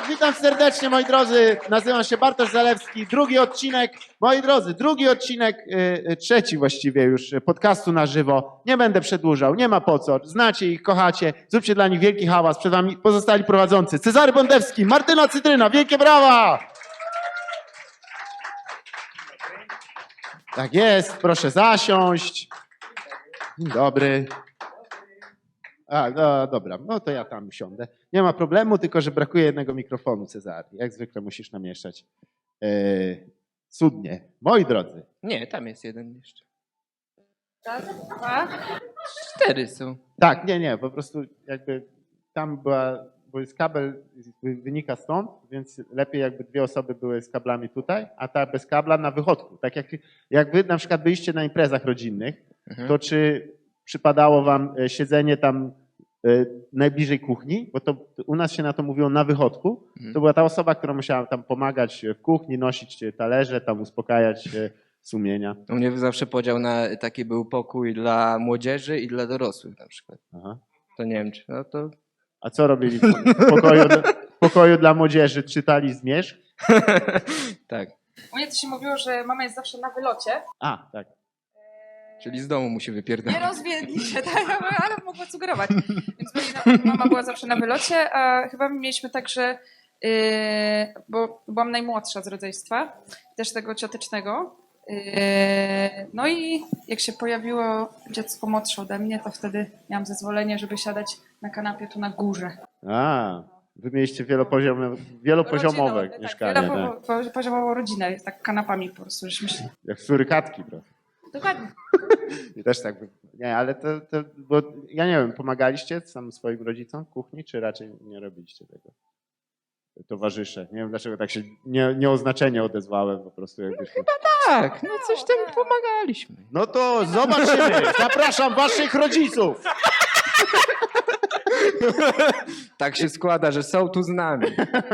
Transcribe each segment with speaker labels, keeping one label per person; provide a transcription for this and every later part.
Speaker 1: witam serdecznie, moi drodzy. Nazywam się Bartosz Zalewski. Drugi odcinek, moi drodzy, trzeci właściwie już podcastu na żywo. Nie będę przedłużał, nie ma po co. Znacie ich, kochacie. Zróbcie dla nich wielki hałas. Przed wami pozostali prowadzący. Cezary Bondewski, Martyna Cytryna. Wielkie brawa! Tak jest, proszę zasiąść. Dzień dobry. No dobra, no to ja tam siądę. Nie ma problemu, tylko że brakuje jednego mikrofonu, Cezary. Jak zwykle musisz namieszać. Cudnie. Moi drodzy.
Speaker 2: Nie, tam jest jeden jeszcze.
Speaker 3: Raz, dwa.
Speaker 2: 4 są.
Speaker 1: Tak, nie, po prostu jakby tam bo jest kabel, wynika stąd, więc lepiej jakby dwie osoby były z kablami tutaj, a ta bez kabla na wychodku. Tak jak wy na przykład byliście na imprezach rodzinnych, to czy przypadało wam siedzenie tam najbliżej kuchni, bo to u nas się na to mówiło na wychodku, to była ta osoba, która musiała tam pomagać w kuchni, nosić talerze, tam uspokajać sumienia.
Speaker 2: U mnie zawsze podział na taki był pokój dla młodzieży i dla dorosłych na przykład.
Speaker 1: Aha.
Speaker 2: To nie wiem, czy no to...
Speaker 1: A co robili w pokoju dla młodzieży? Czytali Zmierzch?
Speaker 2: Tak,
Speaker 3: U mnie to się mówiło, że mama jest zawsze na wylocie.
Speaker 1: A, tak.
Speaker 2: czyli z domu musi
Speaker 3: Nie
Speaker 2: wypierdolić.
Speaker 3: rozwiedli się, tak, ale mogła sugerować. Więc mama była zawsze na wylocie, a chyba mieliśmy tak, że bo byłam najmłodsza z rodzeństwa, też tego ciotecznego. No i jak się pojawiło dziecko młodsze ode mnie, to wtedy miałam zezwolenie, żeby siadać na kanapie tu na górze.
Speaker 1: A, wy mieliście wielopoziomowe
Speaker 3: Rodziną,
Speaker 1: mieszkanie.
Speaker 3: Tak, wielopoziomową rodzinę, tak kanapami po prostu. Żeśmy się...
Speaker 1: Jak surykatki trochę.
Speaker 3: Dokładnie.
Speaker 1: I też tak, nie, ale bo ja nie wiem, pomagaliście sam swoim rodzicom w kuchni, czy raczej nie robiliście tego? Towarzysze. Nie wiem, dlaczego tak się nieoznaczenie odezwałem po prostu.
Speaker 2: Tak, no coś tam pomagaliśmy.
Speaker 1: No to zobaczymy. Zapraszam waszych rodziców.
Speaker 2: Tak się składa, że są tu z nami.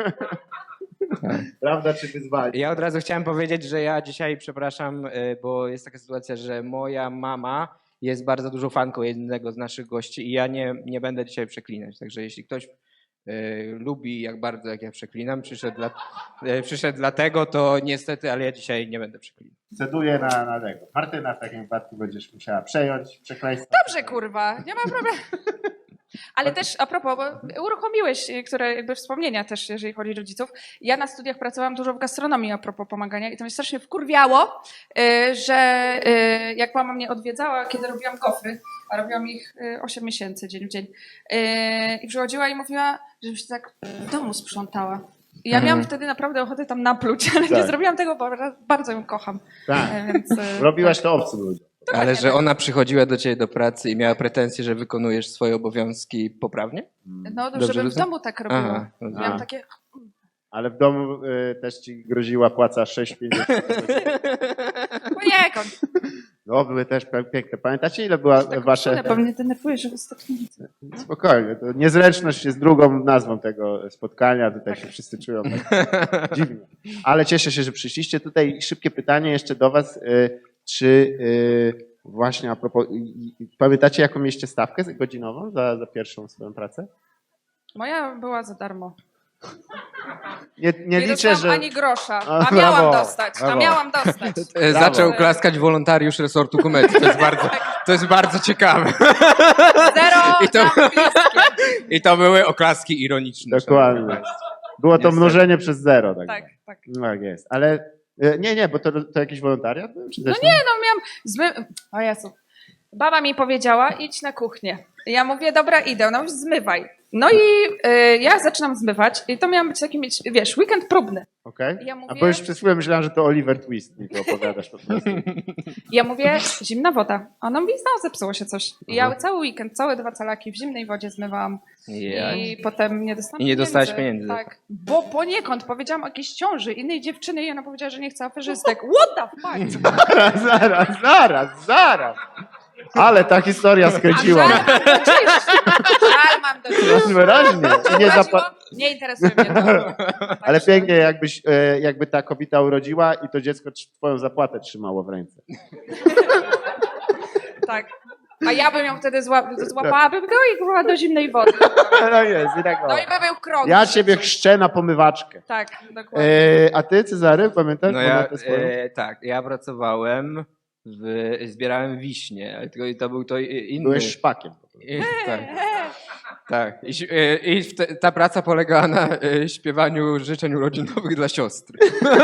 Speaker 1: Prawda czy wyzwanie?
Speaker 2: Ja od razu chciałem powiedzieć, że ja dzisiaj, przepraszam, bo jest taka sytuacja, że moja mama jest bardzo dużą fanką jednego z naszych gości i ja nie będę dzisiaj przeklinać. Także jeśli ktoś lubi jak bardzo, jak ja przeklinam, przyszedł dlatego, to niestety, ale ja dzisiaj nie będę przeklinał.
Speaker 1: Ceduję na tego. Martyna w takim wypadku będziesz musiała przejąć przekleństwo.
Speaker 3: Dobrze, kurwa, nie ma problemu. Ale też a propos, bo uruchomiłeś, które jakby wspomnienia też, jeżeli chodzi o rodziców. Ja na studiach pracowałam dużo w gastronomii a propos pomagania i to mnie strasznie wkurwiało, że jak mama mnie odwiedzała, kiedy robiłam gofry, a robiłam ich 8 miesięcy dzień w dzień, i przychodziła i mówiła, żebym się tak w domu sprzątała. I ja miałam wtedy naprawdę ochotę tam napluć, ale nie zrobiłam tego, bo bardzo ją kocham.
Speaker 1: Tak.
Speaker 3: Więc,
Speaker 1: Robiłaś to obcym ludziom.
Speaker 2: Ale że ona przychodziła do ciebie do pracy i miała pretensje, że wykonujesz swoje obowiązki poprawnie?
Speaker 3: No,
Speaker 2: Dobrze
Speaker 3: żebym w
Speaker 2: rozumiem?
Speaker 3: domu tak robiła.
Speaker 2: Aha,
Speaker 3: Miałam takie...
Speaker 1: Ale w domu też ci groziła płaca 6,50.
Speaker 3: Poniekąd.
Speaker 1: No, były też piękne. Pamiętacie, ile była wasze...
Speaker 3: Bo mnie denerwuje, że wystarczy.
Speaker 1: Spokojnie, to niezręczność jest drugą nazwą tego spotkania. Tutaj się wszyscy czują tak dziwnie. Ale cieszę się, że przyszliście. Tutaj szybkie pytanie jeszcze do was. Czy właśnie a propos... Pamiętacie, jaką mieliście stawkę godzinową za pierwszą swoją pracę?
Speaker 3: Moja była za darmo.
Speaker 1: Nie liczę, że...
Speaker 3: ani grosza,
Speaker 1: A,
Speaker 3: a miałam
Speaker 1: brawo,
Speaker 3: dostać,
Speaker 1: brawo.
Speaker 3: a miałam dostać.
Speaker 2: Zaczął klaskać wolontariusz resortu komedii. To jest bardzo ciekawe.
Speaker 3: Zero
Speaker 2: I to były oklaski ironiczne.
Speaker 1: Dokładnie. Było to
Speaker 2: Niestety.
Speaker 1: mnożenie przez zero.
Speaker 3: Tak, tak.
Speaker 1: Tak jest. Ale nie, bo to jakiś wolontariat był? Czy też
Speaker 3: No miałam O Jezu. Baba mi powiedziała, idź na kuchnię. Ja mówię, dobra, idę. Ona mówi, zmywaj. No i ja zaczynam zmywać i to miał być taki, wiesz, weekend próbny.
Speaker 1: Okej.
Speaker 3: Ja mówię-
Speaker 1: A bo już przez chwilę myślałem, że to Oliver Twist mi to opowiadasz po prostu.
Speaker 3: Ja mówię, zimna woda. A ona mówi, no, zepsuło się coś. I ja cały weekend, całe 2 calaki w zimnej wodzie zmywałam. I potem nie dostałam
Speaker 2: I nie dostałaś pieniędzy za to.
Speaker 3: Tak, bo poniekąd powiedziałam o jakiejś ciąży innej dziewczyny i ona powiedziała, że nie chce aferzystek. What the fuck?
Speaker 1: Zaraz. Ale ta historia skręciła.
Speaker 3: Żal mam do ciebie.
Speaker 1: Wyraźnie. I nie
Speaker 3: Nie interesuje mnie to.
Speaker 1: Ale pięknie, jakby ta kobieta urodziła i to dziecko twoją zapłatę trzymało w ręce.
Speaker 3: Tak. A ja bym ją wtedy złapałabym go i kurwa do zimnej wody.
Speaker 1: No jest, i tak
Speaker 3: No i by był krok.
Speaker 1: Ja ciebie chrzczę na pomywaczkę.
Speaker 3: Tak, dokładnie.
Speaker 1: A ty, Cezary, pamiętasz?
Speaker 2: No
Speaker 1: Tak.
Speaker 2: ja pracowałem, zbierałem wiśnie, ale to był to inny...
Speaker 1: Byłeś szpakiem.
Speaker 2: Tak. Tak. Ta praca polegała na śpiewaniu życzeń urodzinowych dla siostry.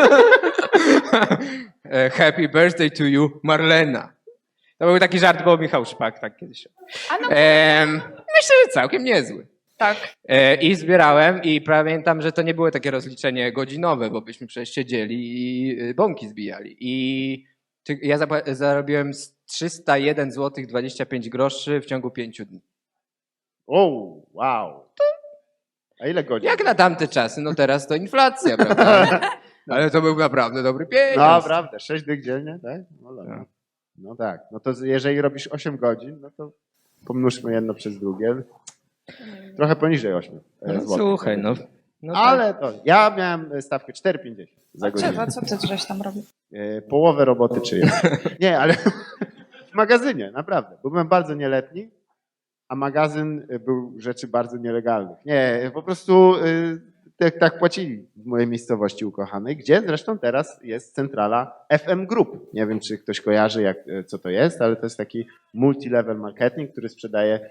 Speaker 2: Happy birthday to you, Marlena. To był taki żart, bo Michał Szpak tak kiedyś. Myślę, że całkiem niezły.
Speaker 3: Tak.
Speaker 2: I zbierałem i pamiętam, że to nie było takie rozliczenie godzinowe, bo byśmy przecież siedzieli i bąki zbijali. I ja zarobiłem 301 zł 25 groszy w ciągu 5 dni.
Speaker 1: O, wow. A ile godzin?
Speaker 2: Jak na tamte czasy, no teraz to inflacja, prawda? Ale to był naprawdę dobry pieniądz.
Speaker 1: No, prawda, 6 dych dziennie, tak? No, dobra. No tak, no to jeżeli robisz 8 godzin, no to pomnóżmy jedno przez drugie. Trochę poniżej 8 złotych.
Speaker 2: Słuchaj, no.
Speaker 1: Ale to, ja miałem stawkę 4,50 za godzinę.
Speaker 3: Co ty żeś tam robił?
Speaker 1: Połowę roboty czyjeś. Nie, ale w magazynie, naprawdę. Bo byłem bardzo nieletni, a magazyn był rzeczy bardzo nielegalnych. Nie, po prostu tak płacili w mojej miejscowości ukochanej, gdzie zresztą teraz jest centrala FM Group. Nie wiem, czy ktoś kojarzy, co to jest, ale to jest taki multi-level marketing, który sprzedaje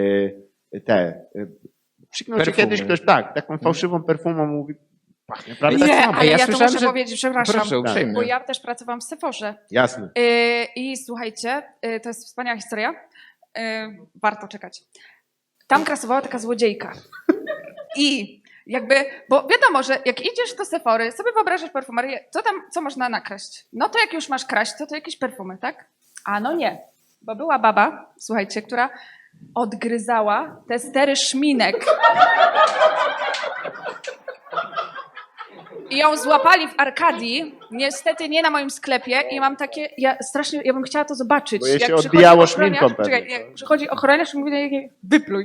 Speaker 1: przyknął się kiedyś ktoś, taką fałszywą perfumą mówi, pachnie prawie tak
Speaker 3: Nie,
Speaker 1: samo.
Speaker 3: ale ja to
Speaker 2: słyszałem,
Speaker 3: muszę
Speaker 2: że-
Speaker 3: powiedzieć, przepraszam.
Speaker 2: Proszę, uprzejmie.
Speaker 3: Bo ja też pracowałam w Sephorze.
Speaker 1: Jasne.
Speaker 3: I słuchajcie, to jest wspaniała historia. Warto czekać. Tam krasowała taka złodziejka. I jakby, bo wiadomo, że jak idziesz do Sephory, sobie wyobrażasz perfumerię, co można nakraść? No to jak już masz kraść, to jakieś perfumy, tak? A no nie. Bo była baba, słuchajcie, która odgryzała te stery szminek. I ją złapali w Arkadii, niestety nie na moim sklepie i mam takie, ja bym chciała to zobaczyć.
Speaker 1: Bo jej się
Speaker 3: przychodzi
Speaker 1: odbijało
Speaker 3: ochroniarz-
Speaker 1: szminką pewnie,
Speaker 3: Czekaj,
Speaker 1: co?
Speaker 3: jak przychodzi ochroniarz i mówi, wypluj.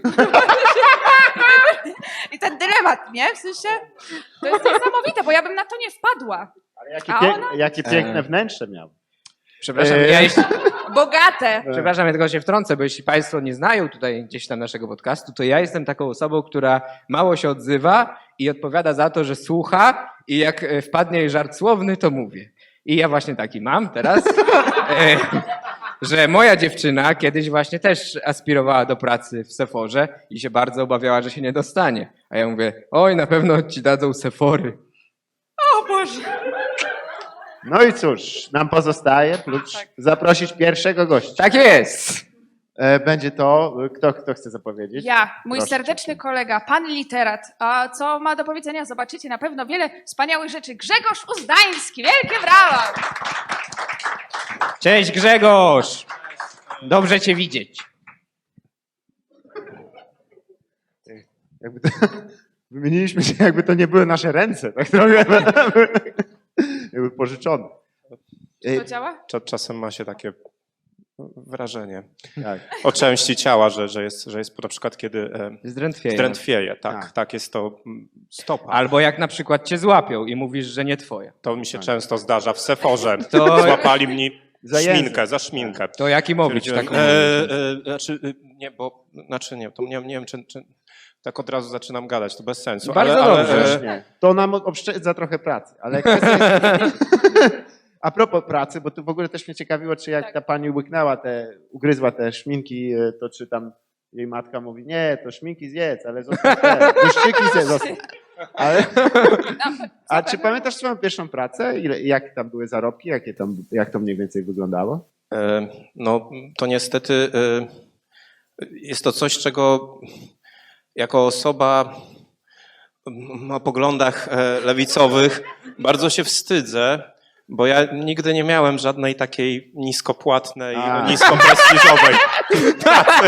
Speaker 3: I ten dylemat, nie? W sensie, to jest niesamowite, bo ja bym na to nie wpadła.
Speaker 1: Ale
Speaker 3: A
Speaker 1: jakie piękne wnętrze miał.
Speaker 2: Przepraszam,
Speaker 3: Bogate.
Speaker 2: Przepraszam, ja tylko się wtrącę, bo jeśli Państwo nie znają tutaj gdzieś tam naszego podcastu, to ja jestem taką osobą, która mało się odzywa i odpowiada za to, że słucha i jak wpadnie jej żart słowny, to mówię. I ja właśnie taki mam teraz, że moja dziewczyna kiedyś właśnie też aspirowała do pracy w Sephorze i się bardzo obawiała, że się nie dostanie. A ja mówię, oj, na pewno ci dadzą Sephory.
Speaker 3: O Boże.
Speaker 1: No i cóż, nam pozostaje zaprosić pierwszego gościa.
Speaker 2: Tak jest!
Speaker 1: Będzie to, kto chce zapowiedzieć?
Speaker 3: Ja, mój
Speaker 1: Proszę
Speaker 3: serdeczny kolega, pan literat. A co ma do powiedzenia? Zobaczycie na pewno wiele wspaniałych rzeczy. Grzegorz Uzdański, wielkie brawa!
Speaker 2: Cześć Grzegorz! Dobrze cię widzieć.
Speaker 1: Jakby to, wymieniliśmy się, jakby to nie były nasze ręce. Tak trochę. Jakby pożyczone.
Speaker 3: To działa?
Speaker 4: Czasem ma się takie wrażenie
Speaker 1: Tak.
Speaker 4: o części ciała, że jest na przykład kiedy
Speaker 2: Zdrętwieje.
Speaker 4: drętwieje.
Speaker 1: Tak.
Speaker 4: Tak jest to stopa.
Speaker 2: Albo jak na przykład cię złapią i mówisz, że nie twoja.
Speaker 4: To mi się często zdarza w Sephorze.
Speaker 2: To-
Speaker 4: Złapali mnie
Speaker 1: Za język.
Speaker 4: szminkę, za szminkę.
Speaker 2: To jaki mówić
Speaker 4: Stwierdziłem,
Speaker 2: taką
Speaker 4: nie wiem, czy tak od razu zaczynam gadać, to bez sensu.
Speaker 2: Bardzo dobrze.
Speaker 1: Nie. To nam oszczędza trochę pracy. Ale kwestia jest... A propos pracy, bo tu w ogóle też mnie ciekawiło, czy jak ta pani ugryzła te szminki, to czy tam jej matka mówi, nie, to szminki zjedz, ale zostaw te, błyszczyki zostaw. Ale... A czy pamiętasz swoją pierwszą pracę? Jak tam były zarobki? Jak to mniej więcej wyglądało?
Speaker 4: No to niestety jest to coś, czego jako osoba o poglądach lewicowych bardzo się wstydzę, bo ja nigdy nie miałem żadnej takiej niskopłatnej, niskoprestiżowej pracy.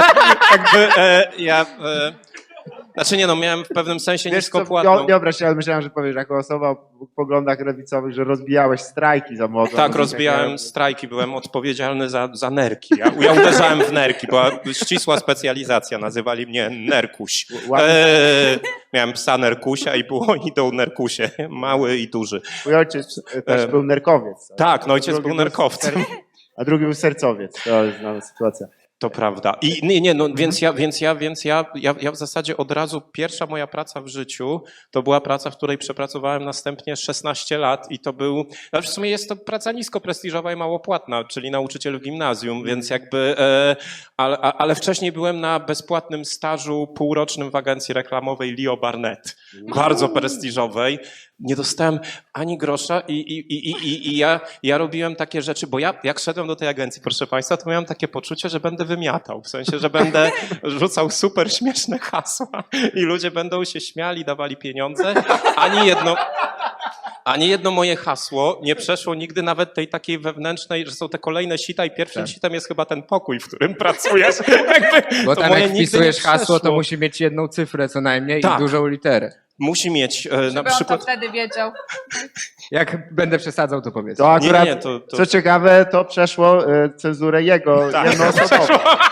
Speaker 4: Miałem w pewnym sensie niskopłatną.
Speaker 1: Nie obraź się, ale myślałem, że powiesz, jako osoba o poglądach lewicowych, że rozbijałeś strajki za młodo.
Speaker 4: Tak, rozbijałem strajki, byłem odpowiedzialny za nerki. Ja uderzałem w nerki, była ścisła specjalizacja, nazywali mnie Nerkuś. Miałem psa Nerkusia i było idą Nerkusie, mały i duży.
Speaker 1: Mój ojciec też był nerkowiec.
Speaker 4: Tak, no ojciec
Speaker 1: Drugi
Speaker 4: był nerkowcem.
Speaker 1: A drugi był sercowiec. To jest znana sytuacja.
Speaker 4: To prawda. I nie, no więc ja w zasadzie od razu pierwsza moja praca w życiu to była praca, w której przepracowałem następnie 16 lat i to był, w sumie jest to praca nisko prestiżowa i mało płatna, czyli nauczyciel w gimnazjum, więc jakby, ale wcześniej byłem na bezpłatnym stażu półrocznym w agencji reklamowej Leo Barnett, bardzo prestiżowej. Nie dostałem ani grosza i ja robiłem takie rzeczy, bo ja jak szedłem do tej agencji, proszę Państwa, to miałem takie poczucie, że będę wymiatał, w sensie, że będę rzucał super śmieszne hasła i ludzie będą się śmiali, dawali pieniądze. Ani jedno moje hasło nie przeszło nigdy nawet tej takiej wewnętrznej, że są te kolejne sita i pierwszym sitem jest chyba ten pokój, w którym pracujesz.
Speaker 2: Bo
Speaker 4: to
Speaker 2: tam
Speaker 4: moje
Speaker 2: jak
Speaker 4: nigdy nie
Speaker 2: wpisujesz hasło, to
Speaker 4: przeszło.
Speaker 2: musi mieć jedną cyfrę co najmniej
Speaker 4: Tak.
Speaker 2: i dużą literę.
Speaker 4: Musi mieć na
Speaker 3: Żeby on to
Speaker 4: przykład...
Speaker 3: wtedy wiedział.
Speaker 2: Jak będę przesadzał, to powiedz.
Speaker 1: To akurat,
Speaker 4: Nie, to-
Speaker 1: co ciekawe, to przeszło cenzurę jego
Speaker 4: Tak,
Speaker 1: jednoosobową.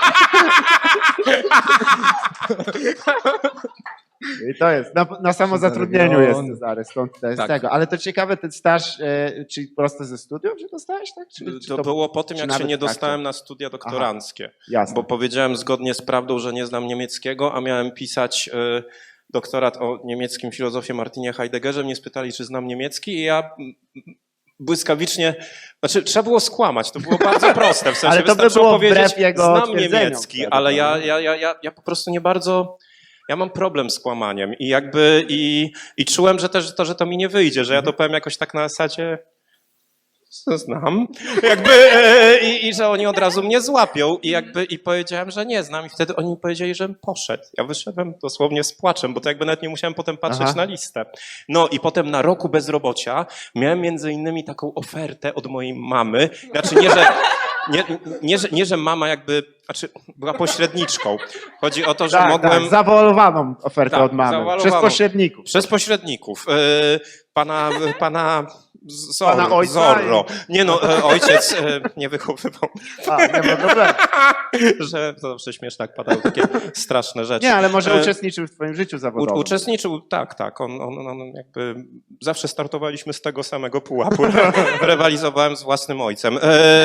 Speaker 1: I to jest, na samozatrudnieniu jest Cezary, stąd to jest
Speaker 4: Tak.
Speaker 1: tego. Ale to ciekawe, ten staż, czyli prosto ze studiów, że dostałeś, tak? Czy
Speaker 4: To było po tym,
Speaker 1: czy
Speaker 4: jak
Speaker 1: nawet
Speaker 4: się nie
Speaker 1: w trakcie?
Speaker 4: dostałem na studia doktoranckie.
Speaker 1: Jasne.
Speaker 4: Bo powiedziałem zgodnie z prawdą, że nie znam niemieckiego, a miałem pisać doktorat o niemieckim filozofie Martinie Heideggerze. Mnie spytali, czy znam niemiecki i ja błyskawicznie, znaczy trzeba było skłamać, to było bardzo proste. W sensie
Speaker 1: Ale to by
Speaker 4: wystarczyło
Speaker 1: było
Speaker 4: powiedzieć,
Speaker 1: wbrew jego
Speaker 4: znam
Speaker 1: twierdzeniom
Speaker 4: niemiecki,
Speaker 1: wtedy,
Speaker 4: ale
Speaker 1: prawda?
Speaker 4: ja po prostu nie bardzo... Ja mam problem z kłamaniem i jakby i czułem, że to mi nie wyjdzie, że ja to powiem jakoś tak na zasadzie znam, jakby i że oni od razu mnie złapią i powiedziałem, że nie znam i wtedy oni mi powiedzieli, żebym poszedł. Ja wyszedłem dosłownie z płaczem, bo to jakby nawet nie musiałem potem patrzeć
Speaker 1: Aha.
Speaker 4: na listę. No i potem na roku bezrobocia miałem między innymi taką ofertę od mojej mamy, znaczy nie, że mama jakby, znaczy była pośredniczką. Chodzi o to, że
Speaker 1: Tak,
Speaker 4: mogłem...
Speaker 1: tak, zawoalowaną ofertę
Speaker 4: Tak,
Speaker 1: od mamy,
Speaker 4: zawoalowaną.
Speaker 1: przez pośredników.
Speaker 4: Przez pośredników. Pana
Speaker 1: Pana ojca
Speaker 4: Zorro. Nie no, ojciec nie wychowywał,
Speaker 1: A, nie ma problemu.
Speaker 4: że to zawsze śmieszne, jak padały takie straszne rzeczy.
Speaker 1: Nie, ale może uczestniczył w twoim życiu zawodowym.
Speaker 4: Uczestniczył, tak. On jakby zawsze startowaliśmy z tego samego pułapu. Rywalizowałem z własnym ojcem.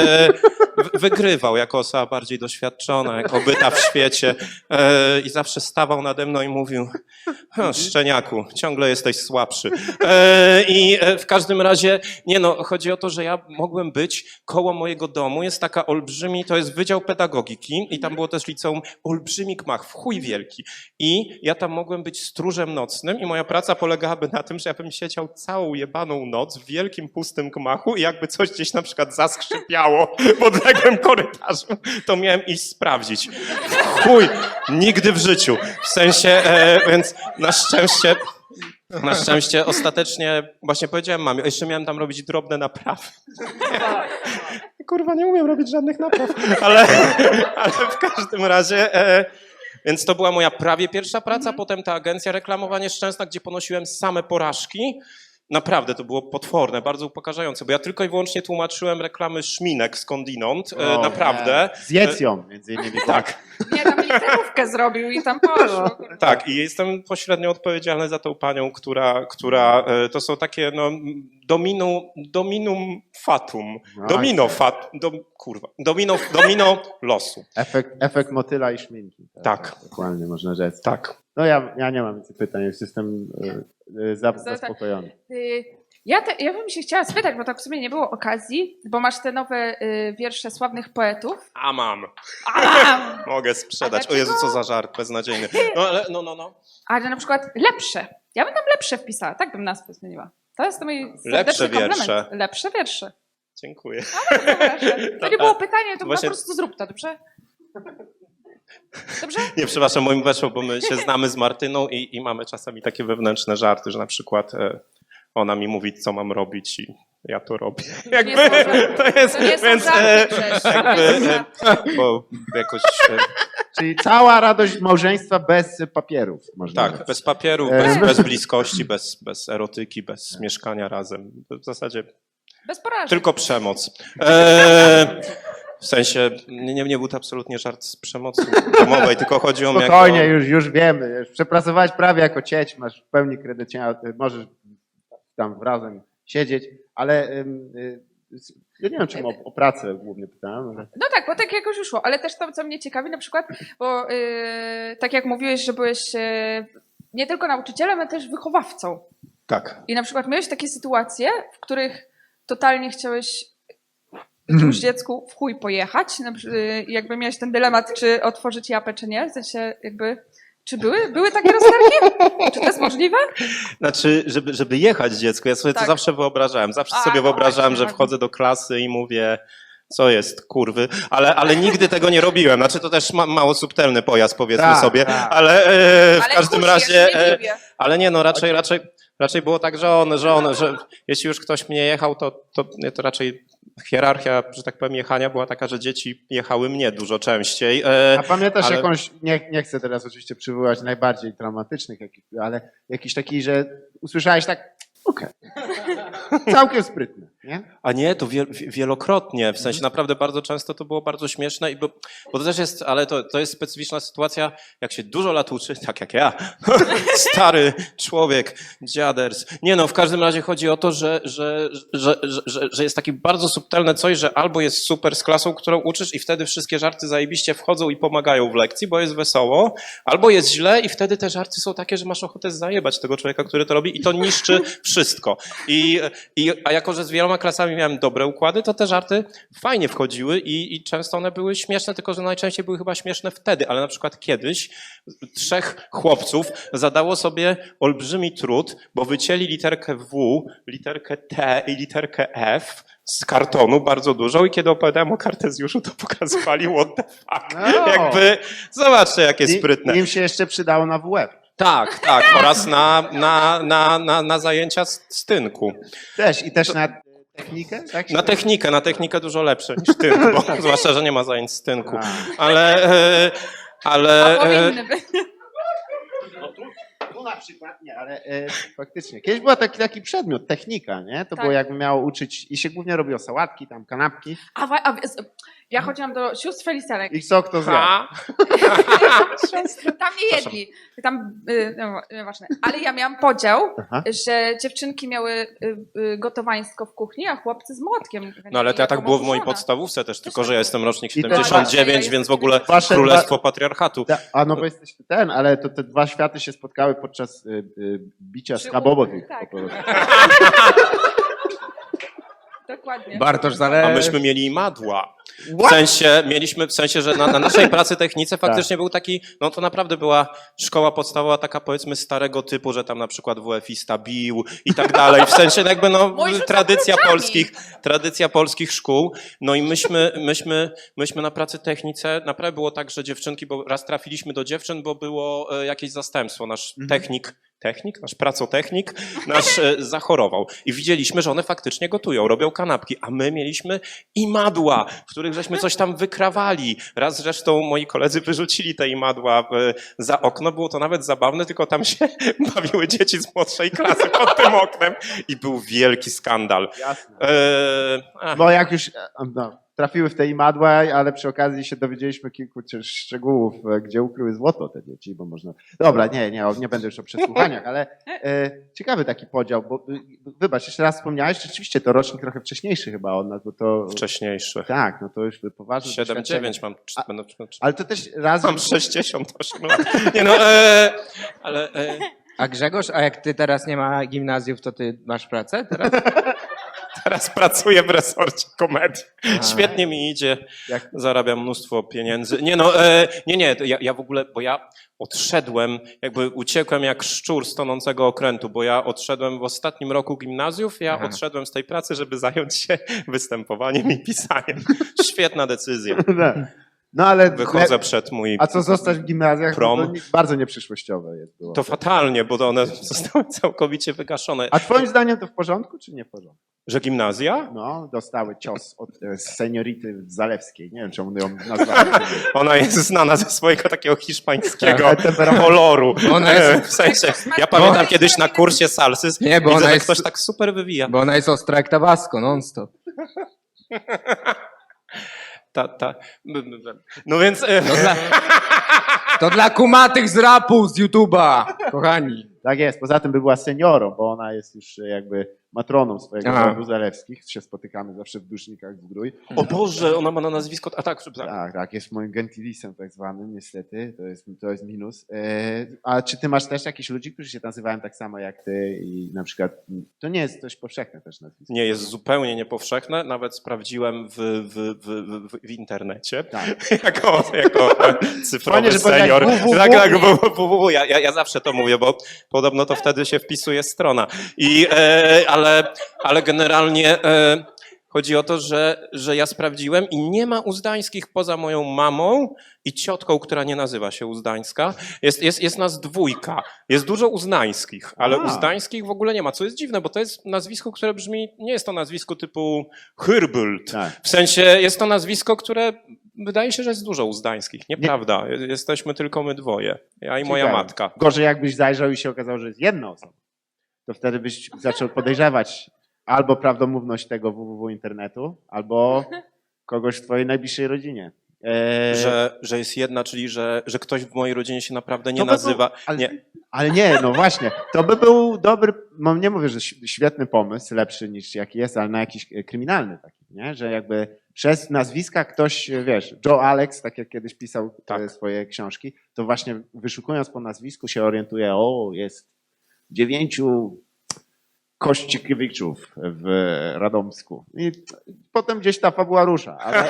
Speaker 4: Wygrywał jako osoba bardziej doświadczona, jako obyta w świecie i zawsze stawał nade mną i mówił: szczeniaku, ciągle jesteś słabszy. I w każdym razie, nie no, chodzi o to, że ja mogłem być koło mojego domu, jest taka olbrzymi, to jest Wydział Pedagogiki i tam było też liceum, olbrzymi gmach, w chuj wielki. I ja tam mogłem być stróżem nocnym i moja praca polegałaby na tym, że ja bym siedział całą jebaną noc w wielkim, pustym gmachu i jakby coś gdzieś na przykład zaskrzypiało w odległym korytarzu, to miałem iść sprawdzić. Chuj, nigdy w życiu. W sensie, więc na szczęście ostatecznie, właśnie powiedziałem mamie, jeszcze miałem tam robić drobne naprawy. Kurwa, nie umiem robić żadnych napraw. Ale w każdym razie, więc to była moja prawie pierwsza praca, potem ta agencja reklamowa nieszczęsna, gdzie ponosiłem same porażki. Naprawdę, to było potworne, bardzo upokarzające, bo ja tylko i wyłącznie tłumaczyłem reklamy szminek skądinąd, naprawdę.
Speaker 1: Zjedz ją, między innymi.
Speaker 4: Tak.
Speaker 3: Nie, tam literówkę zrobił i tam poszło.
Speaker 4: Tak, i jestem pośrednio odpowiedzialny za tą panią, która to są takie no dominum fatum. Domino losu.
Speaker 1: Efekt motyla i szminki.
Speaker 4: Tak.
Speaker 1: Dokładnie, można rzec.
Speaker 4: Tak.
Speaker 1: No ja nie mam więcej pytań, już jestem zaspokojony.
Speaker 3: Ja bym się chciała spytać, bo tak w sumie nie było okazji, bo masz te nowe wiersze sławnych poetów.
Speaker 4: A mam.
Speaker 3: A,
Speaker 4: Mogę sprzedać.
Speaker 3: A
Speaker 4: O Jezu,
Speaker 3: dlaczego?
Speaker 4: co za żart beznadziejny. No ale no.
Speaker 3: ale na przykład lepsze. Ja bym tam lepsze wpisała, tak bym nazwę zmieniła. To jest to mój
Speaker 4: Lepsze
Speaker 3: serdeczny komplement.
Speaker 4: wiersze.
Speaker 3: Lepsze wiersze.
Speaker 4: Dziękuję.
Speaker 3: To nie było pytanie, to
Speaker 4: Właśnie-
Speaker 3: po prostu zrób to, dobrze? Dobrze?
Speaker 4: Nie, przepraszam, moim weszło, bo my się znamy z Martyną i mamy czasami takie wewnętrzne żarty, że na przykład ona mi mówi, co mam robić i ja to robię. Jakby,
Speaker 3: nie są-
Speaker 4: to jest,
Speaker 3: to nie są
Speaker 4: więc
Speaker 3: żarty przecież.
Speaker 4: bo jakoś,
Speaker 1: Czyli cała radość małżeństwa bez papierów. Można
Speaker 4: tak,
Speaker 1: rzec.
Speaker 4: bez papierów, bez bliskości, bez erotyki, bez mieszkania razem. W zasadzie
Speaker 3: Bez porażek.
Speaker 4: tylko przemoc. W sensie, nie był to absolutnie żart z przemocy domowej, tylko chodzi o mnie
Speaker 1: Spokojnie, już wiemy. Już przepracowałeś prawie jako cieć, masz w pełni kredycie, możesz tam razem siedzieć, ale Ja nie wiem, czemu o pracę głównie pytałem, ale...
Speaker 3: No tak, bo tak jakoś już szło, ale też to, co mnie ciekawi na przykład, bo tak jak mówiłeś, że byłeś nie tylko nauczycielem, ale też wychowawcą.
Speaker 4: Tak.
Speaker 3: I na przykład miałeś takie sytuacje, w których totalnie chciałeś jakiemuś dziecku w chuj pojechać, jakby miałeś ten dylemat, czy otworzyć japę, czy nie, w sensie jakby... Czy były takie rozterki? Czy to jest możliwe?
Speaker 4: Znaczy, żeby jechać dziecku, ja sobie to
Speaker 3: Tak.
Speaker 4: zawsze wyobrażałem. Zawsze sobie
Speaker 3: no
Speaker 4: wyobrażałem,
Speaker 3: właśnie,
Speaker 4: że wchodzę do klasy i mówię, co jest, kurwy, ale nigdy tego nie robiłem. Znaczy, to też mało subtelny pojazd, powiedzmy
Speaker 1: Tak,
Speaker 4: sobie,
Speaker 1: tak.
Speaker 4: ale w
Speaker 3: Ale
Speaker 4: każdym
Speaker 3: kusi,
Speaker 4: razie...
Speaker 3: ja się nie dziwię.
Speaker 4: Ale nie, no raczej było tak, że jeśli już ktoś mnie jechał, to raczej hierarchia, że tak powiem, jechania była taka, że dzieci jechały mnie dużo częściej.
Speaker 1: A pamiętasz
Speaker 4: ale-
Speaker 1: jakąś, nie chcę teraz oczywiście przywołać najbardziej traumatycznych, ale jakiś taki, że usłyszałeś tak, okej, całkiem sprytne, nie?
Speaker 4: A nie, to wielokrotnie, w sensie naprawdę bardzo często to było bardzo śmieszne, bo to też jest, ale to jest specyficzna sytuacja, jak się dużo lat uczy, tak jak ja, stary człowiek, dziaders. Nie no, w każdym razie chodzi o to, że jest takie bardzo subtelne coś, że albo jest super z klasą, którą uczysz i wtedy wszystkie żarty zajebiście wchodzą i pomagają w lekcji, bo jest wesoło, albo jest źle i wtedy te żarty są takie, że masz ochotę zajebać tego człowieka, który to robi i to niszczy wszystko. A jako, że z wieloma klasami miałem dobre układy, to te żarty fajnie wchodziły i często one były śmieszne, tylko że najczęściej były chyba śmieszne wtedy, ale na przykład kiedyś 3 chłopców zadało sobie olbrzymi trud, bo wycięli literkę W, literkę T i literkę F z kartonu bardzo dużo i kiedy opowiadałem o Kartezjuszu, to pokazywali what the fuck.
Speaker 1: No.
Speaker 4: Jakby, zobaczcie jakie sprytne.
Speaker 1: Im się jeszcze przydało na WF.
Speaker 4: Tak, oraz na zajęcia z tynku.
Speaker 1: I też na technikę? Tak się
Speaker 4: Na technikę dużo lepsze niż tynk, bo zwłaszcza, że nie ma zajęć z tynku.
Speaker 1: A.
Speaker 4: Ale
Speaker 3: A powinny być.
Speaker 1: Tu na przykład nie, ale faktycznie. Kiedyś był taki przedmiot, technika, nie? To
Speaker 3: Tak.
Speaker 1: było jakby miało uczyć i się głównie robiło sałatki, tam kanapki
Speaker 3: Ja chodziłam do sióstr Felicenek.
Speaker 1: i co kto zjadł.
Speaker 3: Tam nie jedli. Tam, no, nieważne. Ale ja miałam podział,
Speaker 1: Aha.
Speaker 3: że dziewczynki miały gotowaństwo w kuchni, a chłopcy z młotkiem.
Speaker 4: no ale to ja tak
Speaker 3: Jako
Speaker 4: było w mojej
Speaker 3: oburzona.
Speaker 4: podstawówce też, tylko że ja jestem rocznik
Speaker 1: I to-
Speaker 4: 79,
Speaker 3: Ja
Speaker 4: więc w ogóle
Speaker 1: Wasze
Speaker 4: królestwo patriarchatu.
Speaker 1: A no bo jesteś ale to te dwa światy się spotkały podczas bicia
Speaker 3: Przy
Speaker 1: skabowych.
Speaker 3: tak.
Speaker 1: po prostu.
Speaker 3: Dokładnie.
Speaker 2: Bartosz
Speaker 4: A
Speaker 2: Zalew.
Speaker 4: myśmy mieli imadła. W sensie, że na naszej pracy technice faktycznie był taki, no to naprawdę była szkoła podstawowa taka powiedzmy starego typu, że tam na przykład WF-ista bił i tak dalej. W sensie jakby no
Speaker 3: Mój rzucał
Speaker 4: tradycja polskich szkół. No i myśmy na pracy technice, naprawdę było tak, że dziewczynki, bo raz trafiliśmy do dziewczyn, bo było jakieś zastępstwo. Nasz nasz pracotechnik, zachorował. I widzieliśmy, że one faktycznie gotują, robią kanapki, a my mieliśmy imadła, w których żeśmy coś tam wykrawali. Raz zresztą moi koledzy wyrzucili te imadła za okno, było to nawet zabawne, tylko tam się bawiły dzieci z młodszej klasy pod tym oknem i był wielki skandal.
Speaker 1: Jasne.
Speaker 4: Ach.
Speaker 1: Bo jak już trafiły w te imadła, ale przy okazji się dowiedzieliśmy kilku szczegółów, gdzie ukryły złoto te dzieci, bo można... Dobra, nie będę już o przesłuchaniach, ale ciekawy taki podział, bo wybacz, jeszcze raz wspomniałeś, rzeczywiście to rocznik trochę wcześniejszy chyba od nas, bo to...
Speaker 4: Wcześniejszy.
Speaker 1: Tak, no to już poważne
Speaker 4: 7-9 mam.
Speaker 1: Ale to też raz...
Speaker 4: Mam 68 lat. Nie no, ale...
Speaker 2: A Grzegorz, a jak ty teraz nie ma gimnazjów, to ty masz pracę teraz?
Speaker 4: Teraz pracuję w resorcie komedii.
Speaker 2: A.
Speaker 4: Świetnie mi idzie,
Speaker 1: Jak-
Speaker 4: zarabiam mnóstwo pieniędzy. Nie, to ja w ogóle, bo ja odszedłem, jakby uciekłem jak szczur z tonącego okrętu, bo ja odszedłem w ostatnim roku gimnazjów,
Speaker 2: Aha.
Speaker 4: odszedłem z tej pracy, żeby zająć się występowaniem i pisaniem. Świetna decyzja.
Speaker 1: No ale...
Speaker 4: Wychodzę przed mój...
Speaker 1: A co zostać w gimnazjach,
Speaker 4: Prom.
Speaker 1: to bardzo nieprzyszłościowe jest. Było.
Speaker 4: To fatalnie, bo one zostały całkowicie wygaszone.
Speaker 1: A twoim zdaniem to w porządku, czy nie w porządku?
Speaker 4: Że gimnazja?
Speaker 1: No, dostały cios od seniority Zalewskiej. Nie wiem, czemu ją nazwałem.
Speaker 4: Ona jest znana ze swojego takiego hiszpańskiego
Speaker 1: Tak.
Speaker 4: koloru.
Speaker 2: Ona jest-
Speaker 4: W sensie, ja pamiętam kiedyś na kursie salsy,
Speaker 2: Nie, bo
Speaker 4: widzę,
Speaker 2: ona
Speaker 4: że
Speaker 2: jest-
Speaker 4: ktoś tak super wywija.
Speaker 2: Bo ona jest ostra jak Tabasco, non-stop.
Speaker 4: No więc...
Speaker 2: To dla kumatych z rapu, z YouTube'a, kochani.
Speaker 1: Tak jest, poza tym by była seniorą, bo ona jest już jakby matroną swojego
Speaker 2: Aha.
Speaker 1: rodu Zalewskich. Się spotykamy zawsze w Dusznikach Zdrój.
Speaker 4: O Boże, ona ma na nazwisko... A tak,
Speaker 1: Tak, jest moim gentilisem tak zwanym, niestety, to jest minus. A czy ty masz też jakichś ludzi, którzy się nazywają tak samo jak ty i na przykład, to nie jest dość powszechne też nazwisko.
Speaker 4: Nie jest zupełnie niepowszechne, nawet sprawdziłem w internecie.
Speaker 1: Tak.
Speaker 4: jako cyfrowy
Speaker 1: Fajnie, że powiedziałeś
Speaker 4: senior.
Speaker 1: www.
Speaker 4: Tak, www. Ja zawsze to mówię, bo podobno to wtedy się wpisuje strona. Ale generalnie chodzi o to, że ja sprawdziłem i nie ma uzdańskich poza moją mamą i ciotką, która nie nazywa się Uzdańska. Jest nas dwójka. Jest dużo uznańskich, ale uzdańskich w ogóle nie ma, co jest dziwne, bo to jest nazwisko, które brzmi, nie jest to nazwisko typu Hyrbult.
Speaker 1: Tak.
Speaker 4: W sensie jest to nazwisko, które wydaje się, że jest dużo uzdańskich. Nieprawda. Jesteśmy tylko my dwoje. Ja i moja
Speaker 1: Ciekawe.
Speaker 4: matka.
Speaker 1: Gorzej jakbyś zajrzał i się okazało, że jest jedna osoba. To wtedy byś zaczął podejrzewać albo prawdomówność tego www internetu, albo kogoś w twojej najbliższej rodzinie.
Speaker 4: Że jest jedna, czyli że ktoś w mojej rodzinie się naprawdę nie
Speaker 1: To by
Speaker 4: nazywa.
Speaker 1: ale,
Speaker 4: Nie.
Speaker 1: ale nie, no właśnie. To by był dobry, no nie mówię, że świetny pomysł, lepszy niż jaki jest, ale na jakiś kryminalny taki, nie? Że jakby przez nazwiska ktoś, wiesz, Joe Alex, tak jak kiedyś pisał swoje książki, to właśnie wyszukując po nazwisku się orientuje, jest 9 Kościkiewiczów w Radomsku. I potem gdzieś ta fabuła rusza, ale...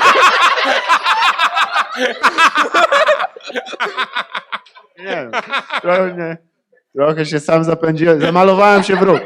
Speaker 1: Nie wiem, trochę się sam zapędziłem, zamalowałem się w róg.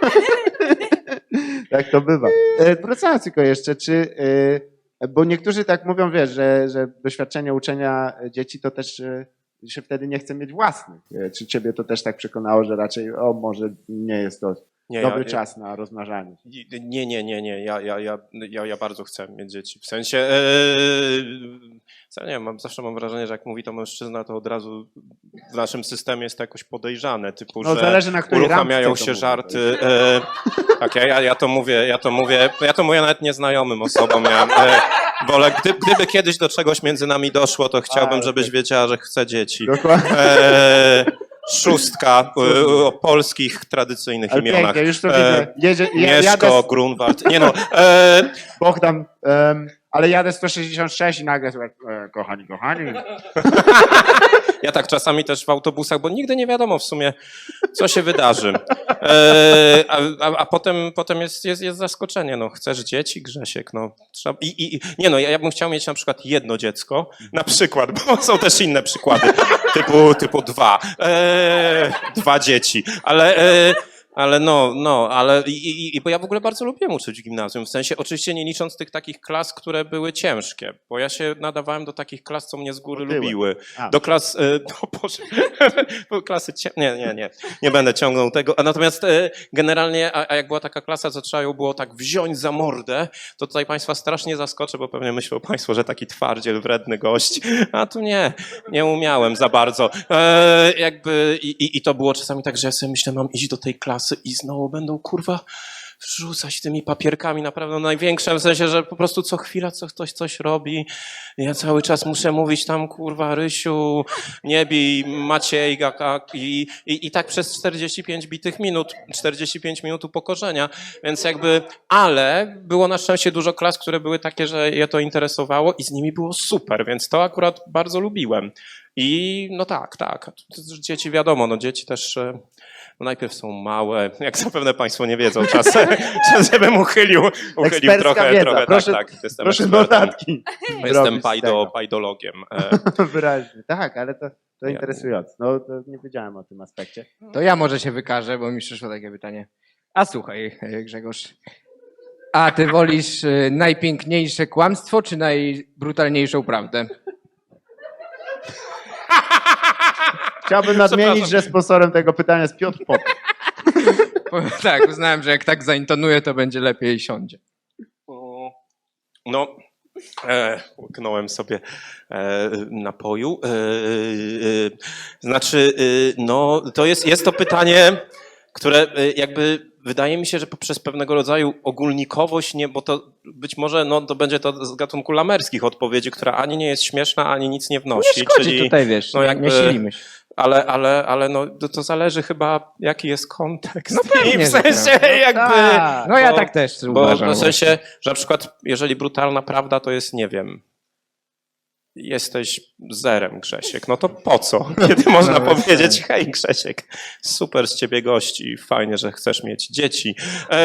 Speaker 1: Tak to bywa. Wracając tylko jeszcze, bo niektórzy tak mówią, wiesz, że doświadczenie uczenia dzieci to też się wtedy nie chce mieć własnych. Czy ciebie to też tak przekonało, że raczej może nie jest to dobry czas na rozmnażanie?
Speaker 4: Nie. Ja bardzo chcę mieć dzieci. W sensie, nie wiem, zawsze mam wrażenie, że jak mówi to mężczyzna, to od razu w naszym systemie jest to jakoś podejrzane, typu, że
Speaker 1: zależy, na której
Speaker 4: uruchamiają
Speaker 1: randce to
Speaker 4: się
Speaker 1: mówię.
Speaker 4: żarty. Tak, ja to mówię nawet nieznajomym osobom. Wolę, gdyby kiedyś do czegoś między nami doszło, to chciałbym, żebyś wiedziała, że chcę dzieci.
Speaker 1: Dokładnie.
Speaker 4: Szóstka o polskich tradycyjnych
Speaker 1: Ale
Speaker 4: imionach.
Speaker 1: pięknie, już to widzę.
Speaker 4: Mieszko, Grunwald. Nie no.
Speaker 1: Bogdan, ale jadę 166 i nagle słuchaj, kochani.
Speaker 4: Ja tak czasami też w autobusach, bo nigdy nie wiadomo w sumie, co się wydarzy. A potem jest zaskoczenie. No, chcesz dzieci, Grzesiek? No, trzeba... ja bym chciał mieć na przykład jedno dziecko. Na przykład, bo są też inne przykłady. Typu 2. 2 dzieci. Ale bo ja w ogóle bardzo lubiłem uczyć w gimnazjum, w sensie oczywiście nie licząc tych takich klas, które były ciężkie, bo ja się nadawałem do takich klas, co mnie z góry lubiły. Do klas, klasy nie będę ciągnął tego, a natomiast generalnie, a jak była taka klasa, co trzeba ją było tak wziąć za mordę, to tutaj państwa strasznie zaskoczę, bo pewnie myślą państwo, że taki twardziel, wredny gość, a tu nie umiałem za bardzo. I to było czasami tak, że ja sobie myślę, mam iść do tej klasy i znowu będą, kurwa, wrzucać tymi papierkami naprawdę największe, w sensie, że po prostu co chwila ktoś coś robi. Ja cały czas muszę mówić tam, kurwa, Rysiu, nie bij, Maciej, i tak przez 45 bitych minut, 45 minut upokorzenia, więc ale było na szczęście dużo klas, które były takie, że je to interesowało i z nimi było super, więc to akurat bardzo lubiłem. I no tak. Dzieci wiadomo, dzieci też najpierw są małe, jak zapewne państwo nie wiedzą, czasem bym uchylił trochę.
Speaker 1: Wiedza.
Speaker 4: Tak. Jestem
Speaker 1: Proszę
Speaker 4: ekspertem.
Speaker 1: notatki.
Speaker 4: Jestem pajdologiem.
Speaker 1: Wyraźnie. Tak, ale to interesujące. No, to nie wiedziałem o tym aspekcie.
Speaker 2: To ja może się wykażę, bo mi przyszło takie pytanie. A słuchaj, Grzegorz, a ty wolisz najpiękniejsze kłamstwo, czy najbrutalniejszą prawdę?
Speaker 1: Chciałbym nadmienić, że sponsorem tego pytania jest Piotr Pop.
Speaker 2: Tak, uznałem, że jak tak zaintonuję, to będzie lepiej siądzie.
Speaker 4: No, łyknąłem sobie napoju. To jest to pytanie, które wydaje mi się, że poprzez pewnego rodzaju ogólnikowość, bo to być może to będzie to z gatunku lamerskich odpowiedzi, która ani nie jest śmieszna, ani nic nie wnosi.
Speaker 2: Nie szkodzi tutaj, wiesz, nie silimy się.
Speaker 4: Ale no, to zależy chyba, jaki jest kontekst.
Speaker 2: No pewnie,
Speaker 4: I w
Speaker 2: że
Speaker 4: sensie
Speaker 2: tak.
Speaker 4: jakby...
Speaker 1: Tak.
Speaker 2: No ja
Speaker 4: Bo-
Speaker 2: tak też
Speaker 4: Bo
Speaker 2: uważam.
Speaker 4: w sensie, że na przykład, jeżeli brutalna prawda to jest, nie wiem, jesteś zerem, Grzesiek, no to po co? Kiedy można
Speaker 2: No, bez
Speaker 4: powiedzieć,
Speaker 2: sensu.
Speaker 4: hej Grzesiek, super z ciebie gości, fajnie, że chcesz mieć dzieci.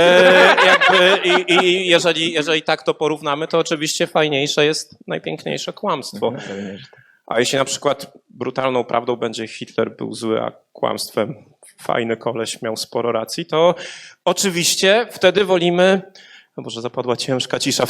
Speaker 4: I jeżeli tak to porównamy, to oczywiście fajniejsze jest najpiękniejsze kłamstwo.
Speaker 2: Pewnie, że tak.
Speaker 4: A jeśli na przykład brutalną prawdą będzie Hitler był zły, a kłamstwem fajny koleś miał sporo racji, to oczywiście wtedy wolimy... No Boże, zapadła ciężka cisza.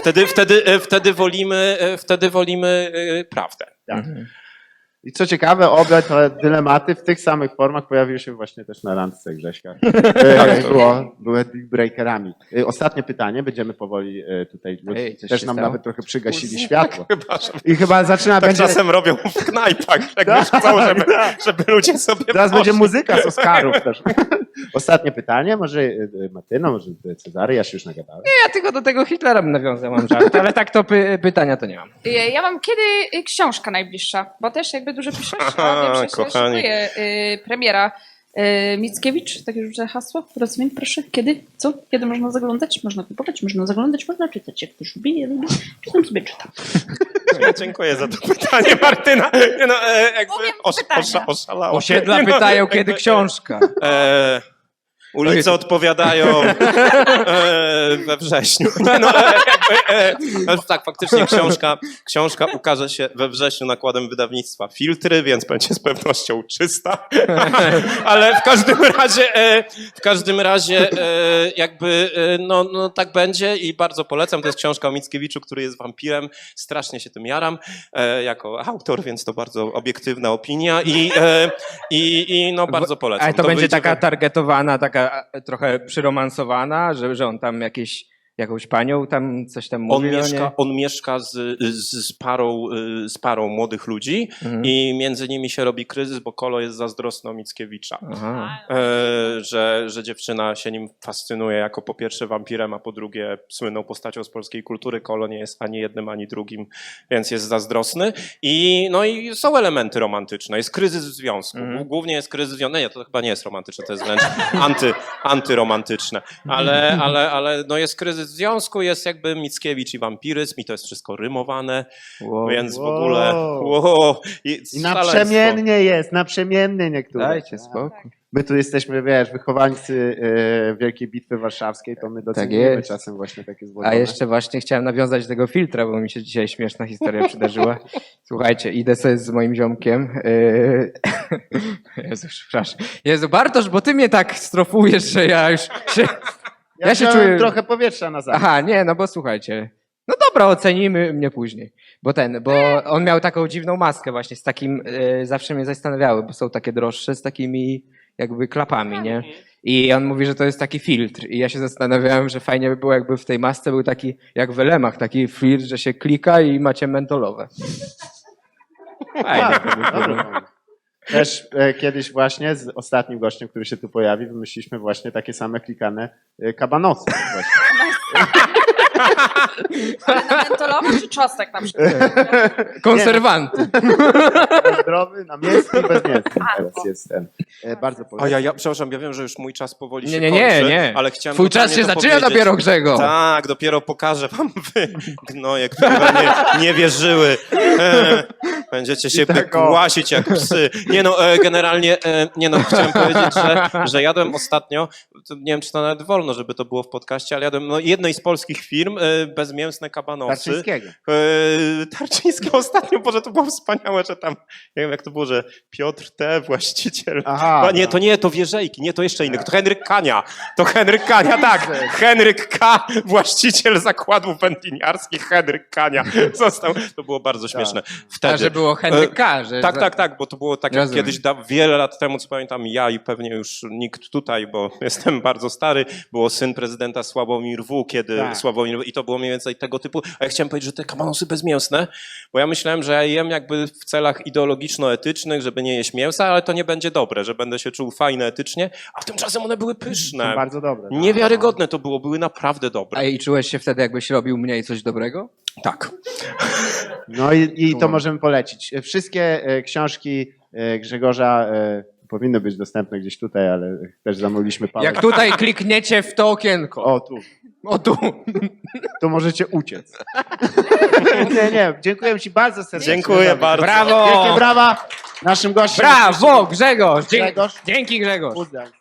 Speaker 4: Wtedy wolimy prawdę.
Speaker 1: Tak. I co ciekawe, obie te dylematy w tych samych formach pojawiły się właśnie też na randce Grześka. Były breakerami. Ostatnie pytanie, będziemy powoli tutaj, bo
Speaker 2: Ej, coś
Speaker 1: też
Speaker 2: się
Speaker 1: nam
Speaker 2: stało?
Speaker 1: nawet trochę przygasili światło.
Speaker 4: Chyba, że
Speaker 1: I chyba zaczyna
Speaker 4: tak
Speaker 1: będzie...
Speaker 4: czasem robią w knajpach, jak już chcą, żeby ludzie sobie
Speaker 1: Teraz będzie
Speaker 4: poszli.
Speaker 1: muzyka z Oscarów też. Ostatnie pytanie, może Martyna, może Cezary, ja się już nagadałem.
Speaker 2: Ja tylko do tego Hitlera bym nawiązał, mam żart, ale tak to pytania to nie mam.
Speaker 3: Ja mam kiedy książka najbliższa, bo też jakby dużo piszesz,
Speaker 4: Aha,
Speaker 3: a wiem, że się
Speaker 4: kochani.
Speaker 3: szykuje premiera. Mickiewicz, takie rzucę hasło, rozumiem, proszę, kiedy, co, kiedy można zaglądać, można kupować, można zaglądać, można czytać, jak ktoś lubi, ja lubię, czytam sobie, czytam.
Speaker 4: Ja dziękuję za to pytanie, Martyna. Nie no, jakby
Speaker 3: Umiem pytania.
Speaker 4: oszalała.
Speaker 2: Osiedla
Speaker 4: Nie no,
Speaker 2: pytają,
Speaker 4: jakby,
Speaker 2: kiedy książka.
Speaker 4: Ulice odpowiadają we wrześniu. Nie no, ale tak, faktycznie książka ukaże się we wrześniu nakładem wydawnictwa Filtry, więc będzie z pewnością czysta. Ale w każdym razie jakby no tak będzie i bardzo polecam. To jest książka o Mickiewiczu, który jest wampirem. Strasznie się tym jaram jako autor, więc to bardzo obiektywna opinia i no bardzo polecam.
Speaker 2: Ale to będzie
Speaker 4: wyjdzie
Speaker 2: taka targetowana, taka trochę przyromansowana, że on tam jakąś panią tam coś tam mówi.
Speaker 4: On mieszka z parą młodych ludzi i między nimi się robi kryzys, bo Kolo jest zazdrosny o Mickiewicza.
Speaker 2: Aha.
Speaker 4: Że dziewczyna się nim fascynuje jako po pierwsze wampirem, a po drugie słynną postacią z polskiej kultury. Kolo nie jest ani jednym, ani drugim, więc jest zazdrosny. I są elementy romantyczne. Jest kryzys w związku. Głównie jest kryzys w związku. Nie, to chyba nie jest romantyczne, to jest wręcz antyromantyczne. Ale no jest kryzys w związku, jest jakby Mickiewicz i wampiryzm i to jest wszystko rymowane, więc w ogóle
Speaker 1: I
Speaker 4: szaleństwo.
Speaker 1: naprzemiennie niektóre.
Speaker 2: Dajcie spokój.
Speaker 1: My tu jesteśmy, wychowańcy Wielkiej Bitwy Warszawskiej, to my docenimy
Speaker 2: jest.
Speaker 1: czasem właśnie takie
Speaker 2: A
Speaker 1: złożone.
Speaker 2: jeszcze właśnie chciałem nawiązać do tego filtra, bo mi się dzisiaj śmieszna historia przydarzyła. Słuchajcie, idę sobie z moim ziomkiem. Jezu, przepraszam. Jezu, Bartosz, bo ty mnie tak strofujesz, że ja już się...
Speaker 1: Ja
Speaker 2: się
Speaker 1: wziąłem
Speaker 2: czuję...
Speaker 1: trochę powietrza na zachód.
Speaker 2: Aha, nie, no bo słuchajcie. No dobra, ocenimy mnie później. Bo on miał taką dziwną maskę właśnie z takim, zawsze mnie zastanawiały, bo są takie droższe z takimi jakby klapami, nie? I on mówi, że to jest taki filtr. I ja się zastanawiałem, że fajnie by było, jakby w tej masce był taki, jak w Elemach, taki filtr, że się klika i macie mentolowe. Fajnie to by było.
Speaker 1: Dobry pomysł. Też kiedyś właśnie z ostatnim gościem, który się tu pojawi, wymyśliliśmy właśnie takie same klikane kabanosy. Właśnie.
Speaker 3: Ale na mentolowo czy czosnek na przykład?
Speaker 2: Konserwanty.
Speaker 1: Zdrowy, namiętny, bezmiętny. Teraz jest ten. Bardzo polecam.
Speaker 4: Ja przepraszam, ja wiem, że już mój czas powoli się
Speaker 2: Nie,
Speaker 4: kończy, ale chciałem
Speaker 2: Twój czas
Speaker 4: totalnie
Speaker 2: się
Speaker 4: to
Speaker 2: zaczyna
Speaker 4: powiedzieć.
Speaker 2: dopiero, Grzego.
Speaker 4: Tak, dopiero pokażę wam wy gnoje, które nie wierzyły. Będziecie się głasić jak psy. Nie no, generalnie, chciałem powiedzieć, że jadłem ostatnio, nie wiem, czy to nawet wolno, żeby to było w podcaście, ale jadłem jednej z polskich firm bezmięsne kabanosy.
Speaker 1: Tarczyńskiego.
Speaker 4: Tarczyńskiego ostatnio, Boże, to było wspaniałe, że tam, nie wiem jak to było, że Piotr T., właściciel.
Speaker 1: Aha,
Speaker 4: To Wierzejki, nie, to jeszcze inny, to Henryk Kania, tak. Henryk K., właściciel zakładów wędliniarskich, Henryk Kania został, to było bardzo śmieszne. Wtedy.
Speaker 2: A że było Henryk K. Że
Speaker 4: Tak, bo to było tak jak kiedyś, wiele lat temu, co pamiętam, ja i pewnie już nikt tutaj, bo jestem bardzo stary, było syn prezydenta Sławomir W., i to było mniej więcej tego typu, a ja chciałem powiedzieć, że te kabanosy bezmięsne, bo ja myślałem, że ja jem jakby w celach ideologiczno-etycznych, żeby nie jeść mięsa, ale to nie będzie dobre, że będę się czuł fajnie etycznie, a tymczasem one były pyszne.
Speaker 1: Są bardzo dobre.
Speaker 4: Niewiarygodne to były naprawdę dobre.
Speaker 2: A i czułeś się wtedy, jakbyś robił mniej coś dobrego?
Speaker 4: Tak.
Speaker 1: No i to możemy polecić. Wszystkie książki Grzegorza powinno być dostępne gdzieś tutaj, ale też zamówiliśmy pałę.
Speaker 2: Jak tutaj klikniecie w to okienko.
Speaker 1: O, tu.
Speaker 2: O tu.
Speaker 1: To możecie uciec. Nie, dziękuję ci bardzo serdecznie.
Speaker 4: Dziękuję bardzo.
Speaker 2: Brawo!
Speaker 1: Wielkie brawa naszym gościom.
Speaker 2: Brawo, Grzegorz!
Speaker 1: Grzegorz.
Speaker 2: Dzięki Grzegorz.
Speaker 1: Pozdrawiam.